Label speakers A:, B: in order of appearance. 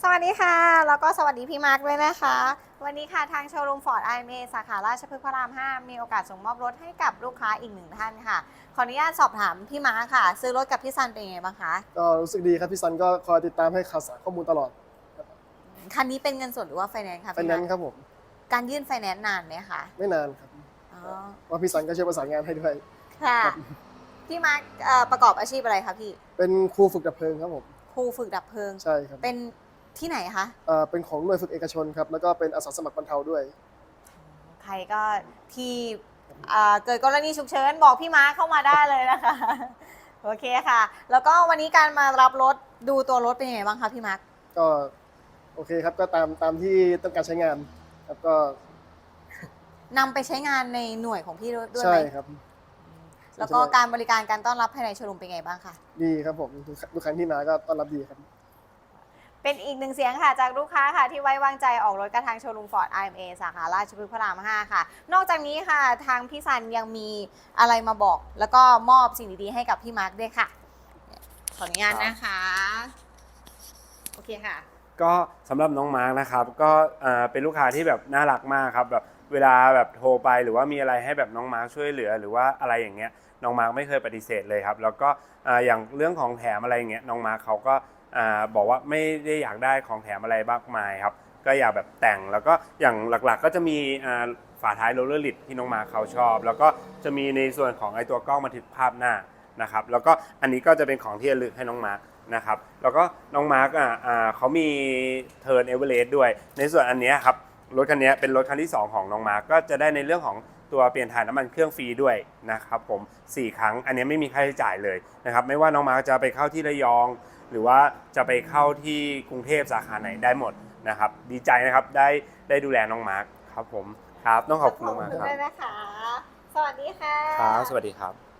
A: สวัสดีค่ะแล้วก็สวัสดีพี่มาร์คด้วยนะคะวันนี้ค่ะทางโชว์รูมฟอร์ด IMA สาขาราชพฤกษ์พระราม 5มีโอกาสส่งมอบรถให้กับลูกค้าอีกหนึ่งท่านค่ะขออนุญาตสอบถามพี่มาร์คค่ะซื้อรถกับพี่ซันเป็นยังไงบ้างคะ
B: ก็รู้สึกดีครับพี่ซันก็คอยติดตามให้ข่าวสารข้อมูลตลอด
A: คันนี้เป็นเงินสดหรือว่าไฟแนนซ์ค่ะ
B: ไฟ
A: พี่มาร์ค
B: แนนซ์ครับผม
A: การยื่นไฟแนนซ์นานไหมคะ
B: ไม่นานครับ
A: อ๋อ
B: ว่าพี่ซันก็ช่วยประสานงานให้ด้วย
A: ค่ะ
B: ครับ
A: พี่มาร์คประกอบอาชีพอะไรคะพี่
B: เป็นครูฝึกดับเพลิงครับผม
A: ครูฝึกดับเพลิง
B: ใช่ครับ
A: เป็นที่ไหนคะ
B: เป็นของหน่วยฝึกเอกชนครับแล้วก็เป็นอาสาสมัครบรรเทาด้วย
A: ใครก็ที่เกิดกรณีฉุกเฉินบอกพี่ม้าเข้ามาได้เลยนะคะโอเคค่ะ แล้วก็วันนี้การมารับรถดูตัวรถเป็นยังไงบ้างคะพี่มาร์ค
B: ก็โอเคครับก็ตามที่ต้องการใช้งานครับก็
A: นำไปใช้งานในหน่วยของพี่ด้วย
B: ใช่
A: ไหม
B: ครับ
A: แล้วก็การบริการการต้อนรับภายในโชว์รูมเป็นไงบ้างคะ
B: ดีครับผมทุกครั้งที่มาก็ต้อนรับดีครับ
A: เป็นอีกหนึ่งเสียงค่ะจากลูกค้าค่ะที่ไว้วางใจออกรถกระทางโชว์รูมฟอร์ด IMA สาขาราชพฤกษ์พระราม 5 ค่ะ นอกจากนี้ค่ะทางพี่ซันยังมีอะไรมาบอก แล้วก็มอบสิ่งดีๆให้กับพี่มาร์คด้วยค่ะขออนุญาตนะคะโอเคค่ะ
C: ก็สำหรับน้องมาร์กนะครับก็เป็นลูกค้าที่แบบน่ารักมากครับแบบเวลาแบบโทรไปหรือว่ามีอะไรให้แบบน้องมาร์กช่วยเหลือหรือว่าอะไรอย่างเงี้ยน้องมาร์กไม่เคยปฏิเสธเลยครับแล้วก็อย่างเรื่องของแถมอะไรอย่างเงี้ยน้องมาร์กเขาก็บอกว่าไม่ได้อยากได้ของแถมอะไรมากมายครับก็อยากแบบแต่งแล้วก็อย่างหลักๆก็จะมีฝาท้ายโรลเลอร์ลิดที่น้องมาร์กเขาชอบแล้วก็จะมีในส่วนของไอตัวกล้องบันทึกภาพหน้านะครับแล้วก็อันนี้ก็จะเป็นของที่ระลึกให้น้องมาร์กนะครับแล้วก็น้องมาร์กเขามีเทิร์นเอเวอเรสต์ด้วยในส่วนอันนี้ครับรถคันนี้เป็นรถคันที่2ของน้องมาร์กก็จะได้ในเรื่องของตัวเปลี่ยนถ่ายน้ำมันเครื่องฟรีด้วยนะครับผม4ครั้งอันนี้ไม่มีค่าใช้จ่ายเลยนะครับไม่ว่าน้องมาร์กจะไปเข้าที่ระยองหรือว่าจะไปเข้าที่กรุงเทพสาขาไหนได้หมดนะครับดีใจนะครับได้ดูแลน้องมาร์กครับผมครับต้องขอบคุณน้องมาร์กครับ
A: ด้วยนะคะสวัสดีค่ะ
C: ครับสวัสดีครับ